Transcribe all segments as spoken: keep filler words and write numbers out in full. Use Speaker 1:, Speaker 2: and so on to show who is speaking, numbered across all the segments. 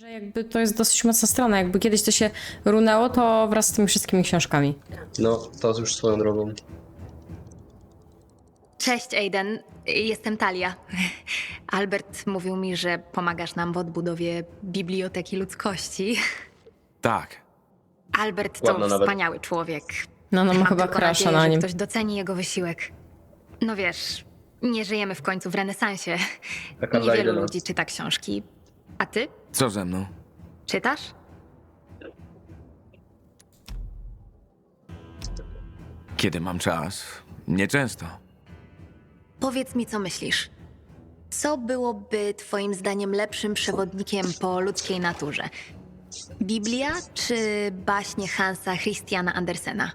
Speaker 1: Że jakby to jest dosyć mocna strona, jakby kiedyś to się runęło, to wraz z tymi wszystkimi książkami.
Speaker 2: No, to już swoją drogą.
Speaker 3: Cześć, Aiden. Jestem Talia. Albert mówił mi, że pomagasz nam w odbudowie Biblioteki Ludzkości.
Speaker 4: Tak.
Speaker 3: Albert to
Speaker 2: Ładna nawet.
Speaker 3: wspaniały człowiek.
Speaker 1: No, no ma
Speaker 3: Mam
Speaker 1: chyba
Speaker 3: tylko
Speaker 1: crusha
Speaker 3: nadzieję,
Speaker 1: na
Speaker 3: że
Speaker 1: nim.
Speaker 3: ktoś doceni jego wysiłek. No wiesz, nie żyjemy w końcu w renesansie.
Speaker 2: Taka
Speaker 3: Niewielu
Speaker 2: zajdę nas.
Speaker 3: ludzi czyta książki. A ty?
Speaker 4: Co ze mną?
Speaker 3: Czytasz?
Speaker 4: Kiedy mam czas? Nieczęsto.
Speaker 3: Powiedz mi, co myślisz. Co byłoby twoim zdaniem lepszym przewodnikiem po ludzkiej naturze? Biblia czy baśnie Hansa Christiana Andersena?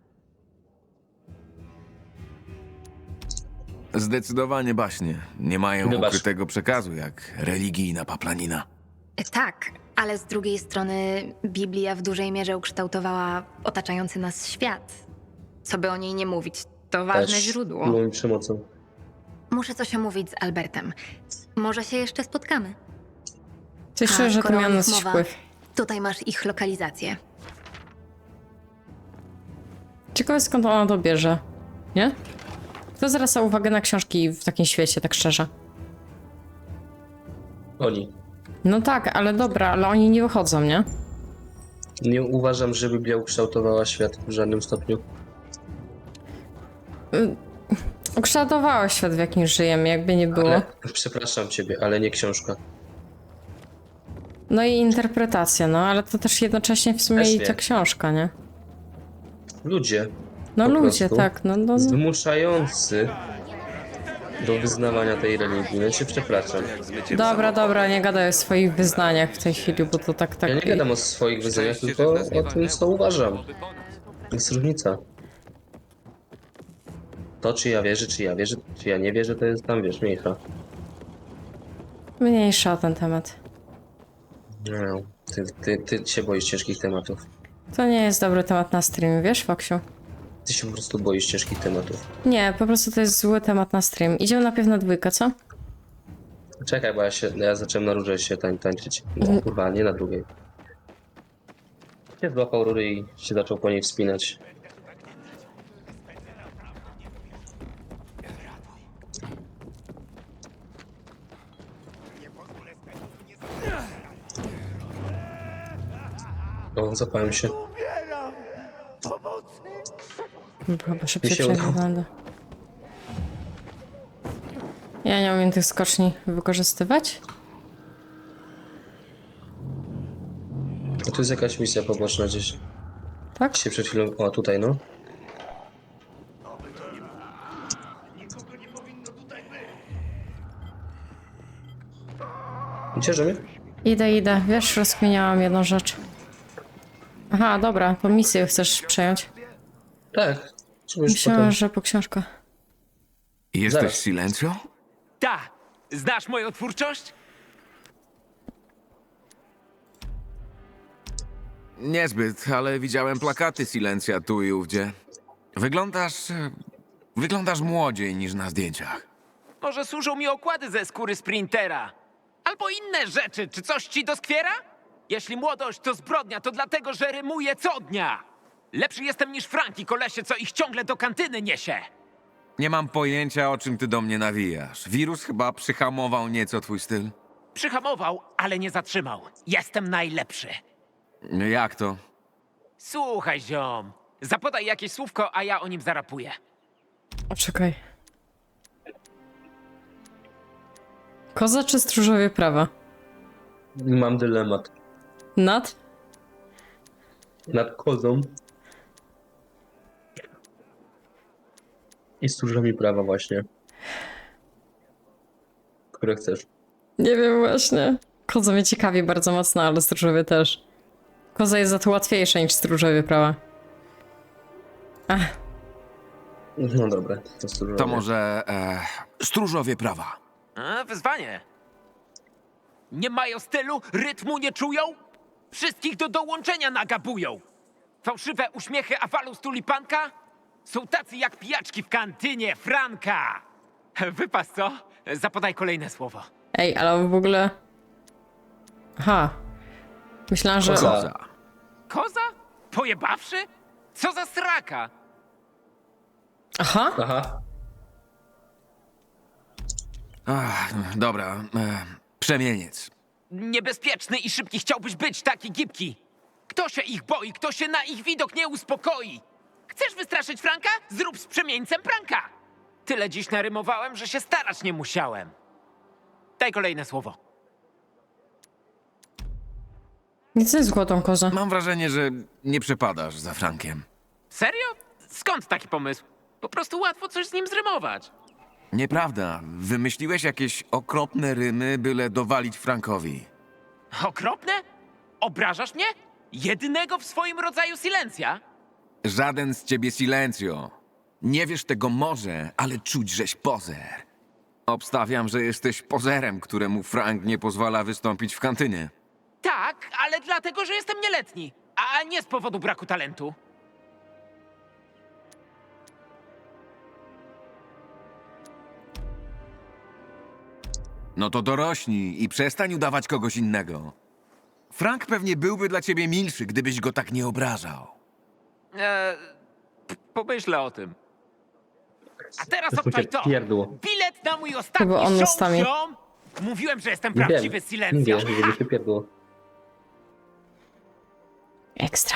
Speaker 4: Zdecydowanie baśnie. Nie mają
Speaker 2: Wybacz.
Speaker 4: ukrytego przekazu, jak religijna paplanina.
Speaker 3: E, Tak, ale z drugiej strony Biblia w dużej mierze ukształtowała otaczający nas świat. Co by o niej nie mówić, to ważne
Speaker 2: Też
Speaker 3: źródło.
Speaker 2: było mi przemocą.
Speaker 3: Muszę coś omówić z Albertem. Może się jeszcze spotkamy.
Speaker 1: Coś
Speaker 3: A,
Speaker 1: czuję, że to
Speaker 3: skoro o
Speaker 1: miało na
Speaker 3: nich
Speaker 1: coś
Speaker 3: mowa,
Speaker 1: wpływ.
Speaker 3: Tutaj masz ich lokalizację.
Speaker 1: Ciekawe skąd ona to bierze, nie? Kto zwraca uwagę na książki w takim świecie, tak szczerze?
Speaker 2: Oni.
Speaker 1: No tak, ale dobra, ale oni nie wychodzą, nie?
Speaker 2: Nie uważam, że Biblia ukształtowała świat w żadnym stopniu.
Speaker 1: Ukształtowała świat, w jakim żyjemy, jakby nie było.
Speaker 2: Ale, przepraszam ciebie, ale nie książka.
Speaker 1: No i interpretacja, no, ale to też jednocześnie w sumie
Speaker 2: Też
Speaker 1: i
Speaker 2: nie.
Speaker 1: ta książka, nie?
Speaker 2: Ludzie.
Speaker 1: No
Speaker 2: Po
Speaker 1: ludzie,
Speaker 2: prostu.
Speaker 1: tak, no, no.
Speaker 2: Zmuszający do wyznawania tej religii. No cię przepraszam.
Speaker 1: Dobra, dobra, nie gadaj o swoich wyznaniach w tej chwili, bo to tak, tak...
Speaker 2: Ja nie gadam o swoich wyznaniach, tylko o tym, co uważam. Jest różnica. To, czy ja wierzę, czy ja wierzę, czy ja nie wierzę, to jest tam, wiesz, mniejsza.
Speaker 1: Mniejsza o ten temat.
Speaker 2: No, ty, ty, ty się boisz ciężkich tematów.
Speaker 1: To nie jest dobry temat na stream, wiesz, Foksiu?
Speaker 2: Ty się po prostu boisz ciężkich tematów.
Speaker 1: Nie, po prostu to jest zły temat na stream. Idziemy najpierw na dwójkę, co?
Speaker 2: Czekaj, bo ja się, ja zacząłem na rurze się tań, tańczyć. No, kurwa, nie na drugiej. Się złapał rury i się zaczął po niej wspinać. O, zapałem się.
Speaker 1: Chyba szybciej
Speaker 2: Mi się
Speaker 1: przejdę
Speaker 2: udało.
Speaker 1: wygląda. Ja nie umiem tych skoczni wykorzystywać.
Speaker 2: A tu jest jakaś misja poboczna gdzieś.
Speaker 1: Tak?
Speaker 2: Się przed chwilą... O, tutaj no. Cieszy mnie?
Speaker 1: Idę, idę. Wiesz, rozkminiałam jedną rzecz. Aha, dobra, to misję chcesz przejąć.
Speaker 2: Tak. Czegoś
Speaker 1: Myślałam,
Speaker 2: potem...
Speaker 1: że po książkę.
Speaker 4: Jesteś
Speaker 2: Zaraz.
Speaker 4: Silencio?
Speaker 5: Ta! Znasz moją twórczość?
Speaker 4: Niezbyt, ale widziałem plakaty Silencja tu i ówdzie. Wyglądasz... e, Wyglądasz młodziej niż na zdjęciach.
Speaker 5: Może służą mi okłady ze skóry sprintera? Albo inne rzeczy, czy coś ci doskwiera? Jeśli młodość to zbrodnia, to dlatego, że rymuję co dnia. Lepszy jestem niż Franki, kolesie, co ich ciągle do kantyny niesie.
Speaker 4: Nie mam pojęcia, o czym ty do mnie nawijasz. Wirus chyba przyhamował nieco twój styl.
Speaker 5: Przyhamował, ale nie zatrzymał. Jestem najlepszy.
Speaker 4: Jak to?
Speaker 5: Słuchaj, ziom. Zapodaj jakieś słówko, a ja o nim zarapuję.
Speaker 1: O, czekaj. Koza czy stróżowie prawa?
Speaker 2: Mam dylemat.
Speaker 1: Nad?
Speaker 2: Nad kozą. I stróżami prawa właśnie. Które chcesz.
Speaker 1: Nie wiem właśnie. Koza mnie ciekawi bardzo mocno, ale stróżowie też. Koza jest za to łatwiejsza niż stróżowie prawa. Ach,
Speaker 2: No dobra, to stróżowie.
Speaker 4: To może... E, stróżowie prawa.
Speaker 5: A, wyzwanie. Nie mają stylu, rytmu nie czują? Wszystkich do dołączenia nagabują. Fałszywe uśmiechy awalu z tulipanka? Są tacy jak pijaczki w kantynie Franka. Wypas, co? Zapodaj kolejne słowo.
Speaker 1: ej, ale w ogóle... Aha. Myślałam, że...
Speaker 2: Koza.
Speaker 4: Koza.
Speaker 5: Koza? Pojebawszy? Co za sraka?
Speaker 1: Aha.
Speaker 2: Aha.
Speaker 4: Ach, dobra. E, przemieniec.
Speaker 5: Niebezpieczny i szybki chciałbyś być, taki gibki. Kto się ich boi, kto się na ich widok nie uspokoi? Chcesz wystraszyć Franka? Zrób z przemieńcem pranka. Tyle dziś narymowałem, że się starać nie musiałem. Daj kolejne słowo.
Speaker 1: Nic nie złotą kozę.
Speaker 4: Mam wrażenie, że nie przepadasz za Frankiem.
Speaker 5: Serio? Skąd taki pomysł? Po prostu łatwo coś z nim zrymować.
Speaker 4: Nieprawda. Wymyśliłeś jakieś okropne rymy, byle dowalić Frankowi.
Speaker 5: Okropne? Obrażasz mnie? Jedynego w swoim rodzaju silencja?
Speaker 4: Żaden z ciebie silencjo. Nie wiesz tego może, ale czuć, żeś pozer. Obstawiam, że jesteś pozerem, któremu Frank nie pozwala wystąpić w kantynie.
Speaker 5: Tak, ale dlatego, że jestem nieletni, a nie z powodu braku talentu.
Speaker 4: No to dorośnij i przestań udawać kogoś innego. Frank pewnie byłby dla ciebie milszy, gdybyś go tak nie obrażał.
Speaker 5: Eee, p- pomyślę o tym. A teraz
Speaker 2: To się
Speaker 5: odpal to!
Speaker 2: pierdło.
Speaker 5: Bilet na mój ostatni
Speaker 1: Chyba on
Speaker 5: show,
Speaker 1: ustami.
Speaker 5: ziom! Mówiłem, że jestem
Speaker 2: Nie
Speaker 5: prawdziwy
Speaker 2: wiem.
Speaker 5: silencja.
Speaker 2: Mówię, żeby się pierdło.
Speaker 1: Ekstra.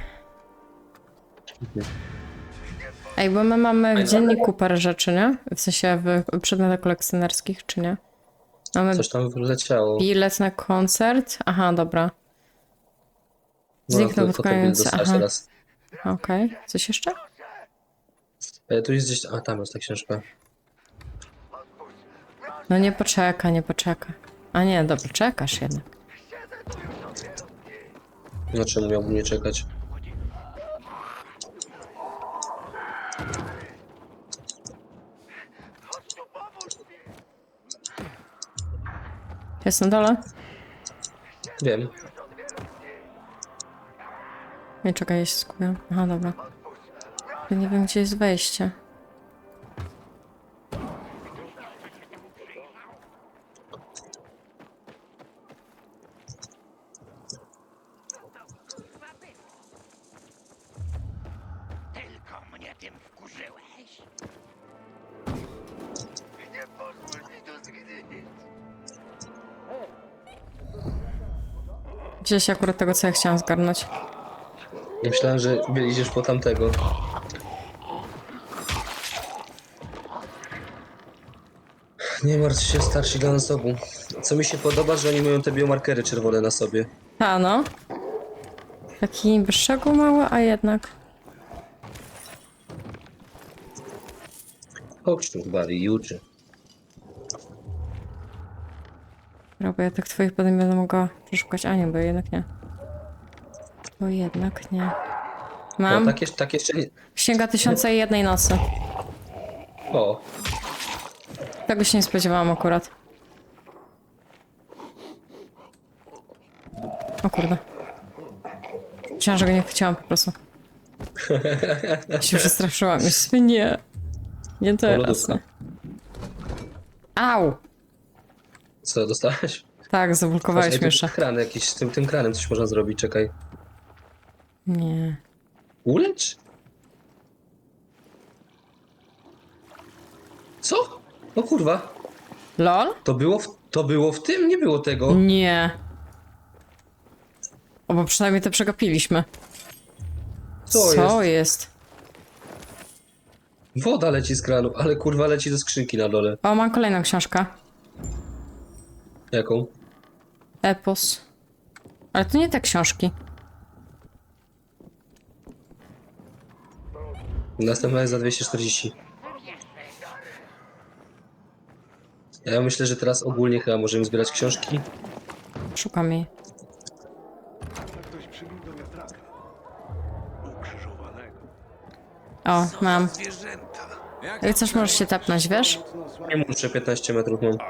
Speaker 1: Ej, bo my mamy w dzienniku parę rzeczy, nie? W sensie w przedmiotach kolekcjonerskich, czy nie? Mamy
Speaker 2: Coś tam wyleciało.
Speaker 1: bilet na koncert. Aha, dobra.
Speaker 2: No,
Speaker 1: Zniknął
Speaker 2: to
Speaker 1: pod
Speaker 2: fotobilet
Speaker 1: koniec.
Speaker 2: dostałeś
Speaker 1: Aha,
Speaker 2: teraz.
Speaker 1: okej. Coś jeszcze?
Speaker 2: E, tu jest gdzieś... A, tam jest ta książka.
Speaker 1: No nie poczeka, nie poczeka. A nie, dobra, czekasz jednak.
Speaker 2: No czemu miałbym nie czekać?
Speaker 1: Jest na dole?
Speaker 2: Wiem.
Speaker 1: Nie, czekaj, ja się skupiam. Aha, dobra. Ja nie wiem, gdzie jest wejście.
Speaker 6: Tylko mnie tym wkurzyłeś. Nie pozwól mi to zgnić.
Speaker 1: Gdzieś akurat tego, co ja chciałam zgarnąć.
Speaker 2: Ja myślałem, że idziesz po tamtego. Nie martw się, starsi dla nas obu. Co mi się podoba, że oni mają te biomarkery czerwone na sobie.
Speaker 1: A, no. Taki szczegół mały, a jednak.
Speaker 2: Chodź tu, Barry, i uczy.
Speaker 1: Dobra, bo ja tak twoich potem będę mogła przeszukać. A nie, bo jednak nie. Bo jednak nie.
Speaker 2: O,
Speaker 1: Mam.
Speaker 2: tak, jeszcze, tak jeszcze nie...
Speaker 1: Księga Tysiąca i Jednej Nocy.
Speaker 2: O,
Speaker 1: Tego się nie spodziewałam akurat. O kurde. Myślałam, że go nie chciałam po prostu. Się przestraszyłam. Myślę, nie. Nie teraz.
Speaker 2: lodówka.
Speaker 1: Nie. Au!
Speaker 2: co, dostałeś?
Speaker 1: Tak, zablokowałeś
Speaker 2: Ej,
Speaker 1: mnie
Speaker 2: tu
Speaker 1: jeszcze.
Speaker 2: kran jakiś, z tym, tym kranem coś można zrobić, czekaj.
Speaker 1: Nie.
Speaker 2: Ulecz? Co? O kurwa,
Speaker 1: LOL?
Speaker 2: to było w, to było w tym? Nie było tego.
Speaker 1: Nie. O, bo przynajmniej to przegapiliśmy.
Speaker 2: Co
Speaker 1: Co
Speaker 2: jest?
Speaker 1: jest?
Speaker 2: Woda leci z kranu, ale kurwa leci do skrzynki na dole.
Speaker 1: O, mam kolejną książkę.
Speaker 2: Jaką?
Speaker 1: Epos. Ale to nie te książki.
Speaker 2: Następna jest za dwieście czterdzieści. Ja myślę, że teraz ogólnie chyba możemy zbierać książki.
Speaker 1: Szukam jej.
Speaker 6: Ktoś przybił do wiatraka. Ukrzyżowanego.
Speaker 1: O, mam.
Speaker 6: Zwierzęta.
Speaker 1: Jak coś możesz się tapnąć, wiesz?
Speaker 2: Nie muszę, piętnaście metrów mam.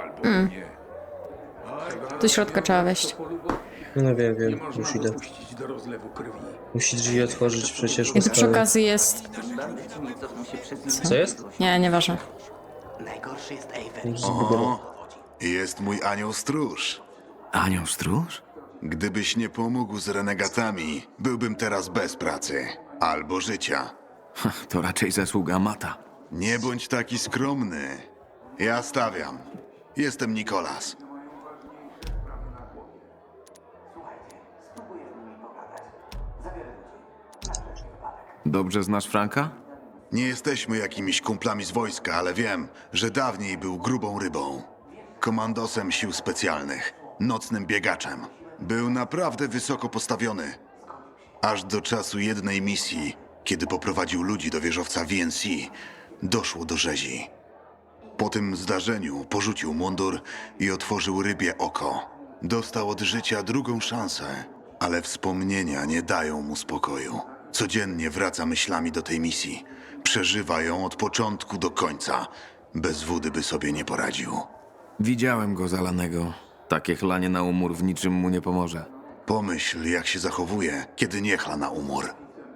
Speaker 1: Do środka trzeba wejść.
Speaker 2: No wiem, wiem, już idę.
Speaker 6: Puścić do rozlewu krwi.
Speaker 2: Musi drzwi otworzyć przecież.
Speaker 1: I tu przy
Speaker 2: ustawię.
Speaker 1: okazji jest...
Speaker 2: Co jest?
Speaker 1: Nie, nieważne.
Speaker 6: Najgorszy jest Aven.
Speaker 7: O, jest mój anioł stróż.
Speaker 4: Anioł stróż?
Speaker 7: Gdybyś nie pomógł z renegatami, byłbym teraz bez pracy. Albo życia.
Speaker 4: To raczej zasługa Mata.
Speaker 7: Nie bądź taki skromny. Ja stawiam. Jestem Nikolas.
Speaker 4: Dobrze znasz Franka?
Speaker 7: Nie jesteśmy jakimiś kumplami z wojska, ale wiem, że dawniej był grubą rybą. Komandosem sił specjalnych, nocnym biegaczem. Był naprawdę wysoko postawiony. Aż do czasu jednej misji, kiedy poprowadził ludzi do wieżowca V N C, doszło do rzezi. Po tym zdarzeniu porzucił mundur i otworzył rybie oko. Dostał od życia drugą szansę, ale wspomnienia nie dają mu spokoju. Codziennie wraca myślami do tej misji. Przeżywa ją od początku do końca. Bez wody by sobie nie poradził.
Speaker 4: Widziałem go zalanego. Takie chlanie na umór w niczym mu nie pomoże.
Speaker 7: Pomyśl, jak się zachowuje, kiedy nie chla na umór.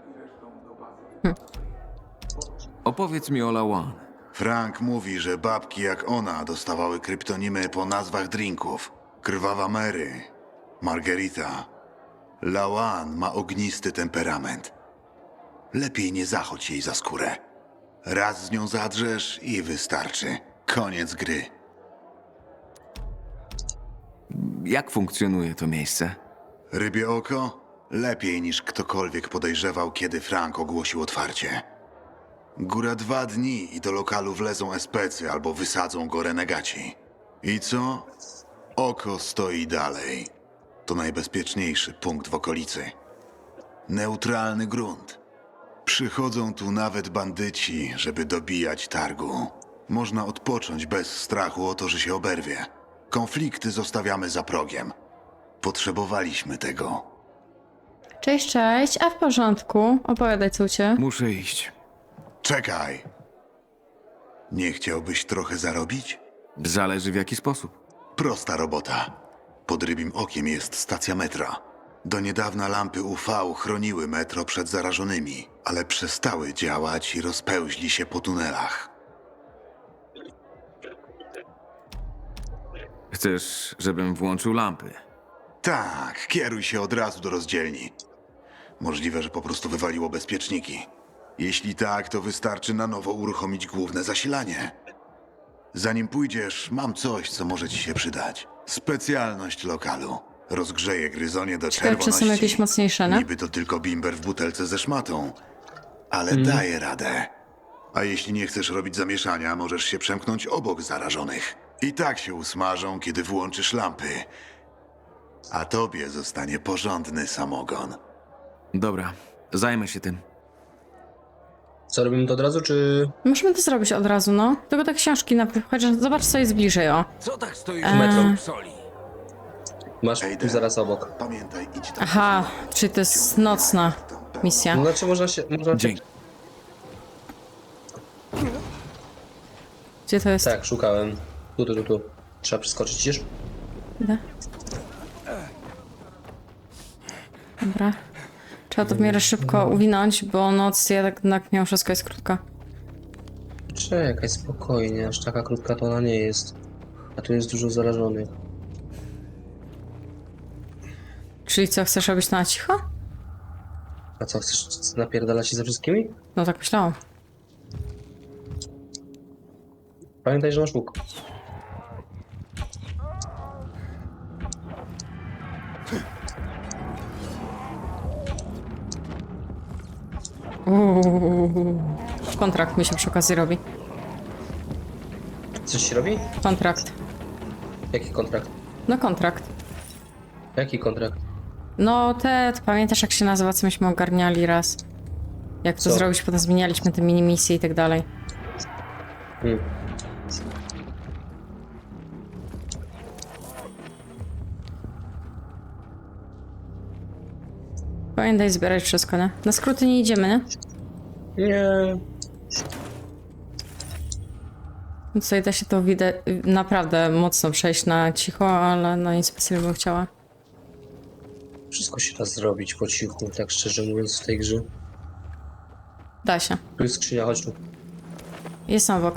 Speaker 4: Opowiedz mi o Lawan.
Speaker 7: Frank mówi, że babki jak ona dostawały kryptonimy po nazwach drinków. Krwawa Mary, Margarita. Lawan ma ognisty temperament. Lepiej nie zachodź jej za skórę. Raz z nią zadrzesz i wystarczy. Koniec gry.
Speaker 4: Jak funkcjonuje to miejsce?
Speaker 7: Rybie oko? Lepiej niż ktokolwiek podejrzewał, kiedy Frank ogłosił otwarcie. Góra dwa dni i do lokalu wlezą especy albo wysadzą go renegaci. I co? Oko stoi dalej. To najbezpieczniejszy punkt w okolicy. Neutralny grunt. Przychodzą tu nawet bandyci, żeby dobijać targu. Można odpocząć bez strachu o to, że się oberwie. Konflikty zostawiamy za progiem. Potrzebowaliśmy tego.
Speaker 1: Cześć, cześć, a w porządku? Opowiadaj, co u ciebie.
Speaker 4: Muszę iść.
Speaker 7: Czekaj. Nie chciałbyś trochę zarobić?
Speaker 4: Zależy w jaki sposób.
Speaker 7: Prosta robota. Pod rybim okiem jest stacja metra. Do niedawna lampy U V chroniły metro przed zarażonymi, ale przestały działać i rozpełźli się po tunelach.
Speaker 4: Chcesz, żebym włączył lampy?
Speaker 7: Tak, kieruj się od razu do rozdzielni. Możliwe, że po prostu wywaliło bezpieczniki. Jeśli tak, to wystarczy na nowo uruchomić główne zasilanie. Zanim pójdziesz, mam coś, co może ci się przydać. Specjalność lokalu. Rozgrzeje gryzonie do
Speaker 1: Ciekawe, czy
Speaker 7: czerwoności.
Speaker 1: są jakieś mocniejsze, no?
Speaker 7: Niby to tylko bimber w butelce ze szmatą, ale daje radę. A jeśli nie chcesz robić zamieszania, możesz się przemknąć obok zarażonych. I tak się usmażą, kiedy włączysz lampy. A tobie zostanie porządny samogon.
Speaker 4: Dobra, zajmę się tym.
Speaker 2: Co, robimy to od razu, czy...
Speaker 1: Możemy to zrobić od razu, no. Tylko te książki na chociaż zobacz, co jest bliżej, o.
Speaker 5: Co tak stoisz
Speaker 1: Eee.
Speaker 5: metro soli?
Speaker 2: Masz
Speaker 7: Ej,
Speaker 2: tu zaraz obok.
Speaker 7: Pamiętaj, idź tam.
Speaker 1: Aha, czyli to jest nocna misja.
Speaker 2: No, znaczy można się... Można
Speaker 4: Dzięki.
Speaker 1: Gdzie to jest?
Speaker 2: Tak, szukałem. Tu, tu, tu, tu. Trzeba przeskoczyć, widzisz?
Speaker 1: Idę. Dobra. Trzeba to w miarę szybko uwinąć, bo noc jednak mimo wszystko jest krótka.
Speaker 2: Czekaj, spokojnie, aż taka krótka to ona nie jest. A tu jest dużo zarażonych.
Speaker 1: Czyli co, chcesz robić to na cicho?
Speaker 2: A co, chcesz napierdalać się ze wszystkimi?
Speaker 1: No tak myślałam.
Speaker 2: Pamiętaj, że masz łuk.
Speaker 1: Uuu. Kontrakt mi się przy okazji robi.
Speaker 2: Coś się robi?
Speaker 1: Kontrakt.
Speaker 2: Jaki kontrakt?
Speaker 1: No kontrakt.
Speaker 2: Jaki kontrakt?
Speaker 1: No te, pamiętasz jak się nazywa, co myśmy ogarniali raz? Jak to
Speaker 2: Co?
Speaker 1: zrobić, potem zmienialiśmy te mini misje i tak dalej.
Speaker 2: Hmm.
Speaker 1: Pamiętaj zbierać wszystko, nie? Na skróty nie idziemy, nie?
Speaker 2: Nie.
Speaker 1: Tutaj da się to widać naprawdę mocno przejść na cicho, ale no nic specjalnie bym chciała.
Speaker 2: Wszystko się da zrobić po cichu, tak szczerze mówiąc, w tej grze.
Speaker 1: Da się.
Speaker 2: Tu jest skrzynia, chodź tu.
Speaker 1: Jest obok.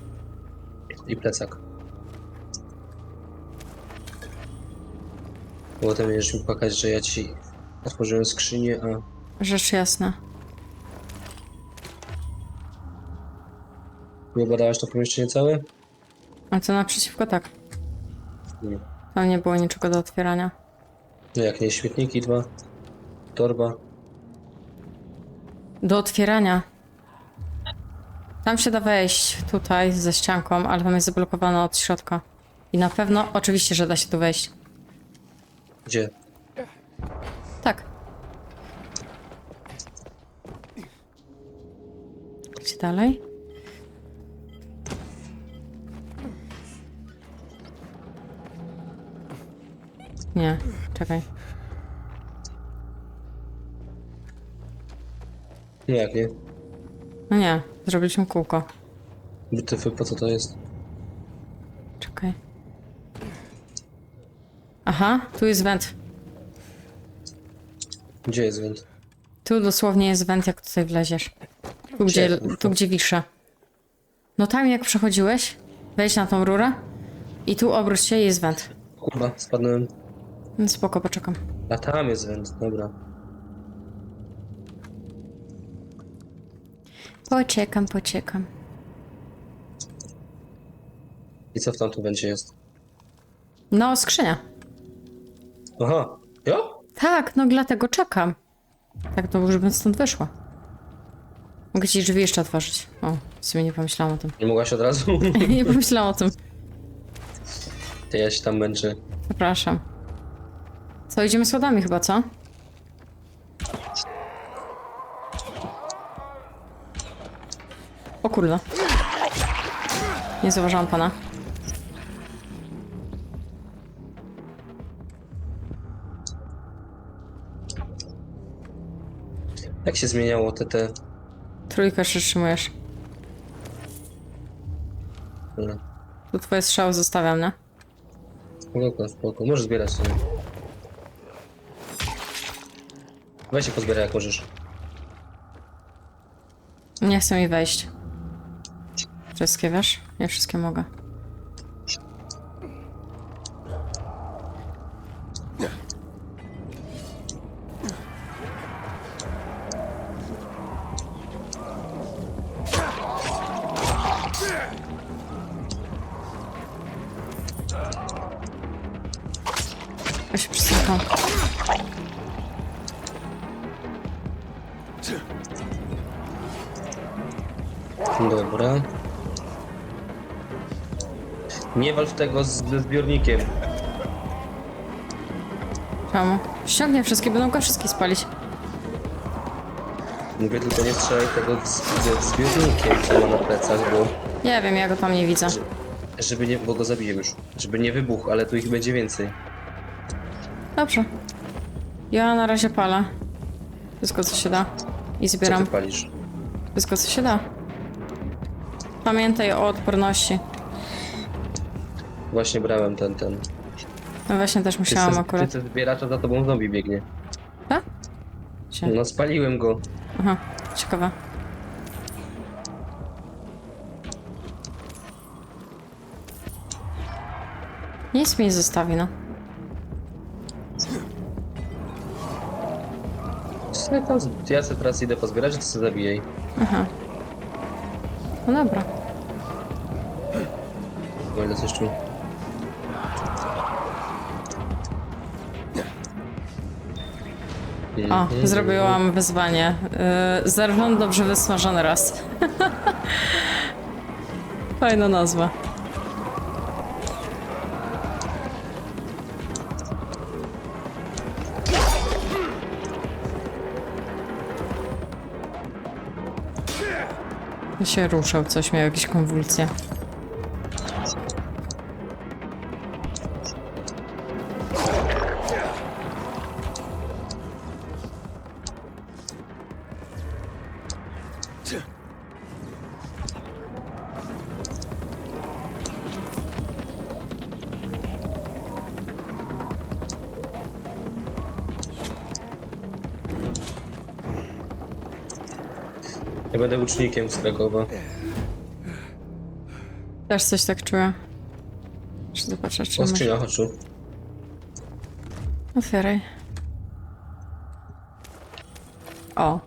Speaker 2: I plecak. Bo potem będziesz mi płakać, że ja ci otworzyłem skrzynię, a...
Speaker 1: Rzecz jasna.
Speaker 2: Nie badałaś to pomieszczenie całe?
Speaker 1: A to naprzeciwko tak.
Speaker 2: Nie.
Speaker 1: Tam nie było niczego do otwierania.
Speaker 2: No jak nie, śmietniki dwa. Torba.
Speaker 1: Do otwierania. Tam się da wejść tutaj ze ścianką, ale tam jest zablokowane od środka. I na pewno, oczywiście, że da się tu wejść.
Speaker 2: Gdzie?
Speaker 1: Tak. Gdzie dalej? Nie, czekaj.
Speaker 2: Nie, jak nie?
Speaker 1: No nie, zrobiliśmy kółko.
Speaker 2: Wytyfy, po co to jest?
Speaker 1: Czekaj. Aha, tu jest węd.
Speaker 2: Gdzie jest węd?
Speaker 1: Tu dosłownie jest węd, jak tutaj wleziesz. Tu, gdzie,
Speaker 2: Gdzie?
Speaker 1: tu, gdzie wiszę. No tam jak przechodziłeś, wejdź na tą rurę i tu obróć się i jest węd.
Speaker 2: Kurwa, spadłem.
Speaker 1: No spoko, poczekam.
Speaker 2: A tam jest węd, dobra.
Speaker 1: Poczekam, poczekam.
Speaker 2: I co w tamtym wędzie jest?
Speaker 1: No, skrzynia.
Speaker 2: Aha, jo?
Speaker 1: Tak, no dlatego czekam. Tak, to już bym stąd wyszła. Mogę ci drzwi jeszcze otworzyć. O, w sumie nie pomyślałam o tym.
Speaker 2: Nie mogłaś od razu?
Speaker 1: Nie pomyślałam o tym.
Speaker 2: To ja się tam męczę.
Speaker 1: Przepraszam. Co, idziemy schodami chyba, co? O kurde. Nie zauważyłam pana.
Speaker 2: Jak się zmieniało te te...
Speaker 1: Trójkę przytrzymujesz.
Speaker 2: Dobra.
Speaker 1: Tu twoje strzały zostawiam, nie?
Speaker 2: Spoko, spoko. Możesz zbierać sobie. Weź się pozbieraj jak możesz.
Speaker 1: Nie chcę mi wejść. Wszystkie, wiesz? Nie wszystkie mogę. Ja się przystępam.
Speaker 2: Dobra. Nie walcz tego z, ze zbiornikiem.
Speaker 1: Czemu? Ściągnie wszystkie, będą go wszystkie spalić.
Speaker 2: Mówię tylko nie strzelaj tego z, ze zbiornikiem, co ma na plecach, bo...
Speaker 1: Nie wiem, ja go tam nie widzę.
Speaker 2: Żeby nie... bo go zabiję już. Żeby nie wybuchł, ale tu ich będzie więcej.
Speaker 1: Dobrze. Ja na razie palę. Wszystko, co się da. I
Speaker 2: Co
Speaker 1: zbieram
Speaker 2: ty palisz?
Speaker 1: wszystko, co się da. Pamiętaj o odporności.
Speaker 2: Właśnie brałem ten, ten.
Speaker 1: No właśnie też
Speaker 2: Ty
Speaker 1: musiałam
Speaker 2: se,
Speaker 1: akurat.
Speaker 2: ty se zbierasz, a za tobą zombie biegnie.
Speaker 1: Tak? Gdzie?
Speaker 2: No spaliłem go.
Speaker 1: Aha, ciekawe. Nic mi nie zostawi, no.
Speaker 2: Co tam z- Ja sobie teraz idę pozbierać, to sobie zabijaj.
Speaker 1: Aha. No dobra.
Speaker 2: O ile coś tu.
Speaker 1: O, zrobiłam wyzwanie. Yy, Zerwon dobrze wysmażony raz. Fajna nazwa. się ruszał, coś miał jakieś konwulsje.
Speaker 2: Ja będę łucznikiem z Krakowa.
Speaker 1: Też coś tak czuję. Muszę zobaczyć, czy
Speaker 2: O,
Speaker 1: może...
Speaker 2: skrzynia, chodź tu.
Speaker 1: Otwieraj. O.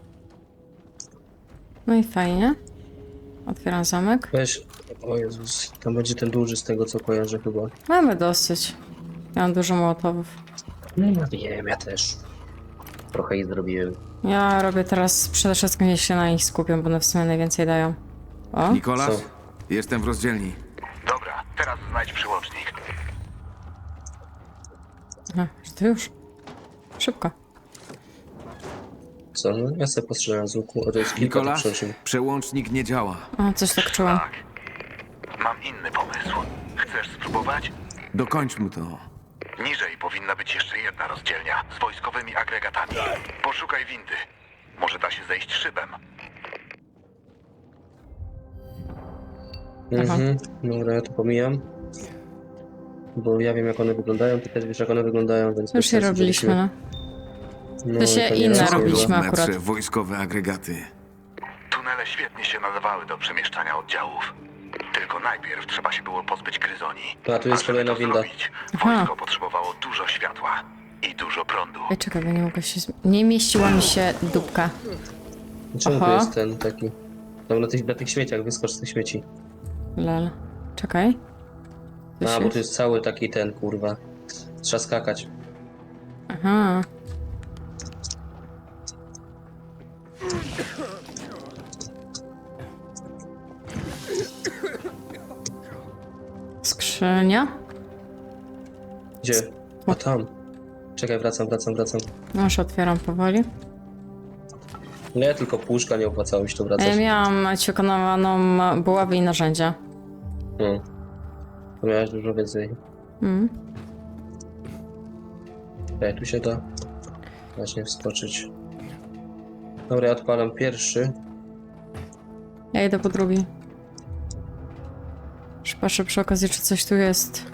Speaker 1: No i fajnie. Otwieram zamek.
Speaker 2: Weź, o Jezus, tam będzie ten duży z tego co kojarzę chyba.
Speaker 1: Mamy dosyć. Ja mam dużo mołotowów.
Speaker 2: No wiem, ja też. Trochę ich zrobiłem.
Speaker 1: Ja robię teraz przede wszystkim, jeśli się na nich skupię, bo one w sumie najwięcej dają. O,
Speaker 4: Nikolas?
Speaker 2: Co?
Speaker 4: Jestem w rozdzielni.
Speaker 7: Dobra, teraz znajdź przyłącznik.
Speaker 1: aha, że to już. Szybko.
Speaker 2: Co? No ja sobie postrzelam z łuku, a to jest kilka
Speaker 4: Nikolas?
Speaker 2: tych przyczyn.
Speaker 4: Przełącznik nie działa.
Speaker 1: O, coś tak czułam.
Speaker 7: Tak. Mam inny pomysł. Chcesz spróbować?
Speaker 4: Dokończmy to.
Speaker 7: Niżej powinna być jeszcze jedna rozdzielnia z wojskowymi agregatami. Poszukaj windy. Może da się zejść szybem.
Speaker 2: Mhm, dobra, ja to pomijam. Bo ja wiem jak one wyglądają, ty też wiesz jak one wyglądają, więc...
Speaker 1: Już
Speaker 2: bez
Speaker 1: je
Speaker 2: sensu,
Speaker 1: robiliśmy,
Speaker 2: żebyśmy-
Speaker 1: no.
Speaker 2: No,
Speaker 1: To się
Speaker 2: nie
Speaker 1: inne
Speaker 2: raz nie
Speaker 1: robiliśmy.
Speaker 2: było.
Speaker 4: W
Speaker 1: akurat.
Speaker 4: metrze wojskowe agregaty.
Speaker 7: Tunele świetnie się nadawały do przemieszczania oddziałów. Tylko najpierw trzeba się było pozbyć gryzoni.
Speaker 2: A, tu jest
Speaker 7: żeby
Speaker 2: kolejna
Speaker 7: to
Speaker 2: winda.
Speaker 7: zrobić,
Speaker 1: Aha.
Speaker 7: wojsko potrzebowało dużo światła i dużo prądu.
Speaker 1: Ej, czekaj, bo nie mogę się... zm- Nie mieściła mi się dupka.
Speaker 2: Czemu tu
Speaker 1: Aha.
Speaker 2: jest ten taki... Tam na tych, na tych śmieciach, wyskocz z tych śmieci.
Speaker 1: Lel. Czekaj. Tu
Speaker 2: A,
Speaker 1: się-
Speaker 2: bo tu jest cały taki ten, kurwa. Trzeba skakać.
Speaker 1: Aha. Skrzynia?
Speaker 2: Gdzie? A tam. Czekaj, wracam, wracam, wracam.
Speaker 1: No już otwieram powoli.
Speaker 2: Nie, tylko puszka, nie opłacało mi się to
Speaker 1: A ja
Speaker 2: wracać.
Speaker 1: miałam ćwiekonowaną buławę i narzędzia.
Speaker 2: No. To miałeś dużo więcej.
Speaker 1: Mm.
Speaker 2: Ej, tu się da właśnie wskoczyć. Dobra, ja odpalam pierwszy.
Speaker 1: Ja idę po drugi. Już patrzę przy okazji, czy coś tu jest.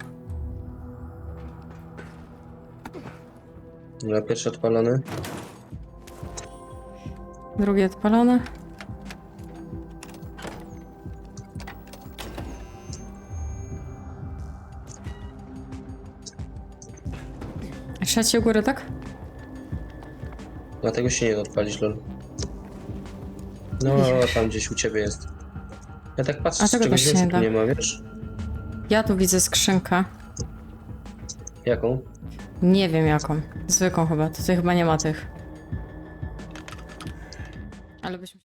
Speaker 2: Dobra, pierwszy odpalony.
Speaker 1: Drugi odpalony. A trzeci u góry, tak?
Speaker 2: Dlatego się nie da odpalić, lol. No, tam gdzieś u ciebie jest. Ja tak patrzę,
Speaker 1: A
Speaker 2: czy
Speaker 1: tego
Speaker 2: czegoś
Speaker 1: też się
Speaker 2: więcej
Speaker 1: nie
Speaker 2: tu
Speaker 1: da.
Speaker 2: nie ma, wiesz?
Speaker 1: Ja tu widzę skrzynkę.
Speaker 2: Jaką?
Speaker 1: Nie wiem jaką. Zwykłą chyba. Tutaj chyba nie ma tych. Ale byśmy...